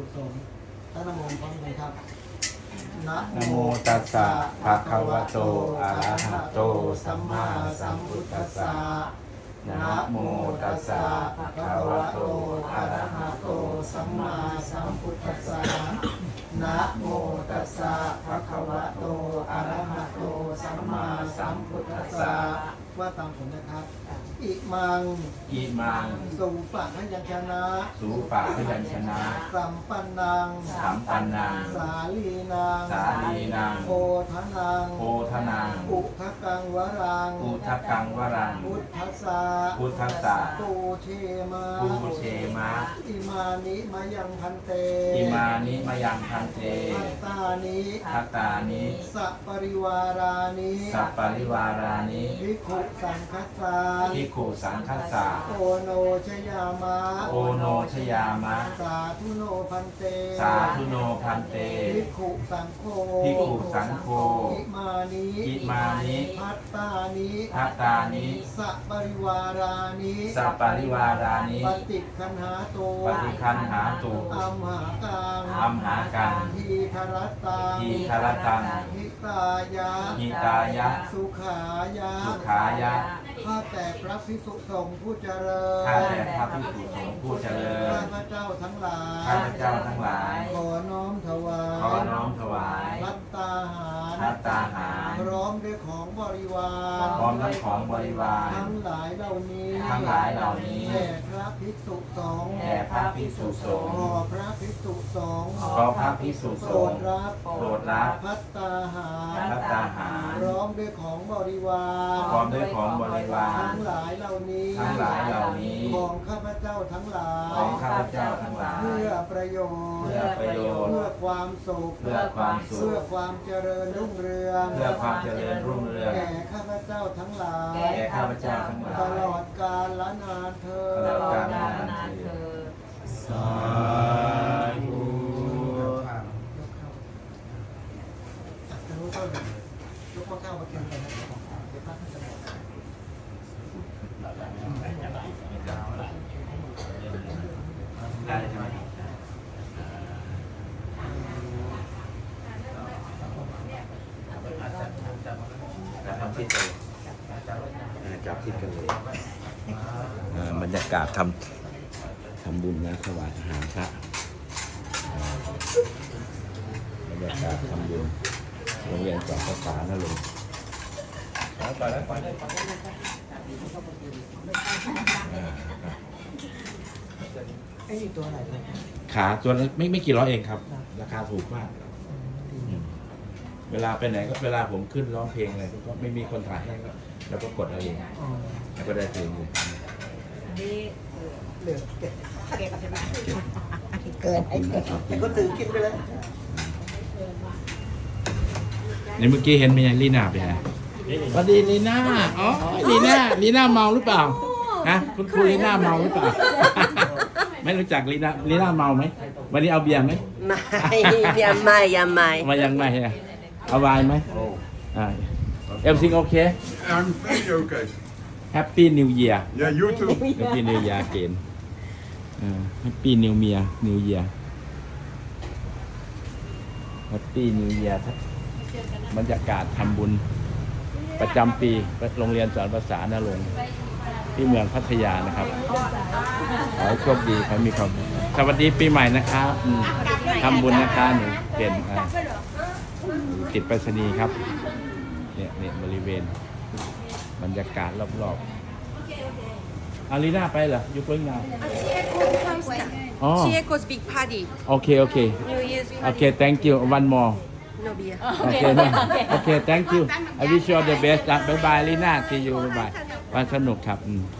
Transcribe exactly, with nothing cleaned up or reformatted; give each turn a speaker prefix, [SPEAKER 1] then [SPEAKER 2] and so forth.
[SPEAKER 1] สมตั้งนะโมพร้อมกันครับนะ
[SPEAKER 2] นะโมตัสสะภะคะวะโตอะระหะโตสัมมาสัมพุทธัสสะนะโมตัสสะภะคะวะโตอะระหะโตสัมมาสัมพุทธัสสะนะโมตัสสะภะคะวะโตอะระหะโตสัมมาสัมพุทธัสสะ
[SPEAKER 1] ว่าตามผมนะครับอิมัง
[SPEAKER 2] อิมัง
[SPEAKER 1] สุปะพยัญชนะ
[SPEAKER 2] สูปะพยัญชนะ
[SPEAKER 1] สัมปันนัง
[SPEAKER 2] สัมปันนัง
[SPEAKER 1] สาลีนัง
[SPEAKER 2] สาลีนัง
[SPEAKER 1] โพธนัง
[SPEAKER 2] โพธนัง
[SPEAKER 1] อุทกังวรัง
[SPEAKER 2] อุทกังวรัง
[SPEAKER 1] พุทธัสสะ
[SPEAKER 2] พุทธัสสะ
[SPEAKER 1] ปูเชมา
[SPEAKER 2] ปูเชมะ
[SPEAKER 1] อิมานิมายังพันเต
[SPEAKER 2] อิมานิมยังพันเต
[SPEAKER 1] พัตตานิ
[SPEAKER 2] ทัตตานิ
[SPEAKER 1] สัปริวารานิ
[SPEAKER 2] สัปปริวารานิ
[SPEAKER 1] ภิกขุสังคัสสะ
[SPEAKER 2] ภิกขุสังคัสสะ
[SPEAKER 1] โอโนชยามะ
[SPEAKER 2] โอโนชยามะ
[SPEAKER 1] สาธุโนพันเต
[SPEAKER 2] สาธุโนพันเต
[SPEAKER 1] ภิกขุสังโฆ
[SPEAKER 2] ภิกขุสังโฆ
[SPEAKER 1] อิมานิ
[SPEAKER 2] อิมานิ
[SPEAKER 1] พัตตานิ
[SPEAKER 2] ทัตตานิ
[SPEAKER 1] สัปริวารานิ
[SPEAKER 2] สัปปริวารานิ
[SPEAKER 1] ปฏิคันหาโต
[SPEAKER 2] ปฏิคันหาตุ
[SPEAKER 1] อัมหากัง
[SPEAKER 2] อัมหากัง
[SPEAKER 1] ทีครตัง
[SPEAKER 2] ทีครตัง
[SPEAKER 1] หิตายะ
[SPEAKER 2] หิตายะ
[SPEAKER 1] สุขายะ
[SPEAKER 2] สุขายะ
[SPEAKER 1] ข้าแต่พระภิกษุสงฆ์ผู้เจริญ
[SPEAKER 2] ข้าแต่พระภิกษุสงฆ์ผู้เจริญ
[SPEAKER 1] ข้าพระเจ้าทั้งหลาย
[SPEAKER 2] ข้าพเจ้าทั้งหลาย
[SPEAKER 1] ขอน้อมถวาย
[SPEAKER 2] ขอน้อมถวาย
[SPEAKER 1] พัตตาหาร
[SPEAKER 2] ภัตตาหาร
[SPEAKER 1] พร้อมด้วยของบริวาร
[SPEAKER 2] พร้อมทั้งของบริวาร
[SPEAKER 1] ทั้งหลายเหล่านี้
[SPEAKER 2] ทั้งหลายเหล่านี้
[SPEAKER 1] แด่พระภิกษุสงฆ์
[SPEAKER 2] แด่พระภิกษุสงฆ์
[SPEAKER 1] ขอพระภิกษุสงฆ์
[SPEAKER 2] ขอพระภิกษุ
[SPEAKER 1] โป
[SPEAKER 2] ส
[SPEAKER 1] รง ด
[SPEAKER 2] ฆ์
[SPEAKER 1] รับ
[SPEAKER 2] โปรดรับ
[SPEAKER 1] พัตตาหาร
[SPEAKER 2] ภัตตาหาร
[SPEAKER 1] พร้อมด้วยของบริวาร
[SPEAKER 2] พร้อมด้วยของบริวาร
[SPEAKER 1] ทั้งหลายเหล่านี้
[SPEAKER 2] ทั้งหลายเหล่านี้
[SPEAKER 1] ของข้าพเจ้าทั้งหลาย
[SPEAKER 2] ของข้าพเจ้าทั้งหลาย
[SPEAKER 1] เพื่อประโยชน์
[SPEAKER 2] เพื่อประโยชน์
[SPEAKER 1] เพื่อความสุข
[SPEAKER 2] เพื่อความสุข
[SPEAKER 1] เพื่อความเจริญรุ่งเรือง
[SPEAKER 2] เพื่อความเจริญรุ่งเรือง
[SPEAKER 1] แก่ข้าพเจ้าทั้งหลาย
[SPEAKER 2] แก่ข้าพเจ้าทั้งหลาย
[SPEAKER 1] ตลอดกาลละนานเธอ
[SPEAKER 2] ตลอด
[SPEAKER 3] กาล
[SPEAKER 2] กาล
[SPEAKER 3] นานเธอ
[SPEAKER 2] สาธุ
[SPEAKER 1] จะรู้ต้นยกข้อเก้ามาเทียนกันนะครับเดี๋ยวพระท่านจะบอก
[SPEAKER 2] ได้ใช่ไหมทำทิศเลยจับทิศกันเลยบรรยากาศทำทำบุญนะถวายอาหารพระบรรยากาศทำบุญโรงเรียนสอนภาษานะลุงไปแล้วไปแล้วไปแล้ว
[SPEAKER 1] ไอ้นี่ตัวอะไรเนี่ย
[SPEAKER 2] ขาตัวละไม่ไม่กี่ร้อยเองครับ ราคาถูกมากอืมเวลาไปไหนก็เวลาผมขึ้นร้องเพลงอะไรก็ไม่มีคนถ่ายให้ก็แล้วก็กดเอาเอง
[SPEAKER 1] อ๋อ
[SPEAKER 2] แล้วก็ได้เพลงเลย
[SPEAKER 3] นี่
[SPEAKER 1] เหลือเก็บ
[SPEAKER 3] เก็บใช่ไหม
[SPEAKER 1] เกินไอ้เกินก็ถือกินไปเลย
[SPEAKER 2] ในเมื่อกี้เห็นไหมยังลีน่าไปไหนสวัสดีลีน่าอ๋อลีน่าลีน่าเมาหรือเปล่าฮะคุณครูลีน่าเมาหรือเปล่า ไม่รู้จักลีน่าลีน่าเมาไหมวันนี้เอาเบียร์ไหม
[SPEAKER 3] ไม่ยังไม่ยังไม่
[SPEAKER 2] มายังไงอะเอาไวน์ไหมอ่าเอลซิงโอเค
[SPEAKER 4] I'm very okay.
[SPEAKER 2] แฮปปี้นิวเยียร์
[SPEAKER 4] Yeah, you too.
[SPEAKER 2] แฮปปี้นิวเยียร์เกนแฮปปี้นิวเมียนิวเยียร์แฮปปี้นิวเยียร์บรรยากาศทำบุญประจำปีโรงเรียนสอนภาษาณรงค์ที่เมืองพัทยานะครับขอให้โชคดีขอให้มีความสุขสวัสดีปีใหม่นะครับอืมทำบุญนะคะหนูเก่งอ่ะติดไปรษณีย์ครับเนี่ยเนี่ยบริเวณบรรยากาศรอบๆอารีนาไปเหรออยู่กรุงนาอ๋อ
[SPEAKER 3] Chieco's big party
[SPEAKER 2] โอเคโอเค
[SPEAKER 3] New Year's
[SPEAKER 2] โอเค thank you one more
[SPEAKER 3] no beer
[SPEAKER 2] โอเคนะโอเค thank you I wish you all the best บายบายลีน่า see you บายบายวันสนุกครับอืม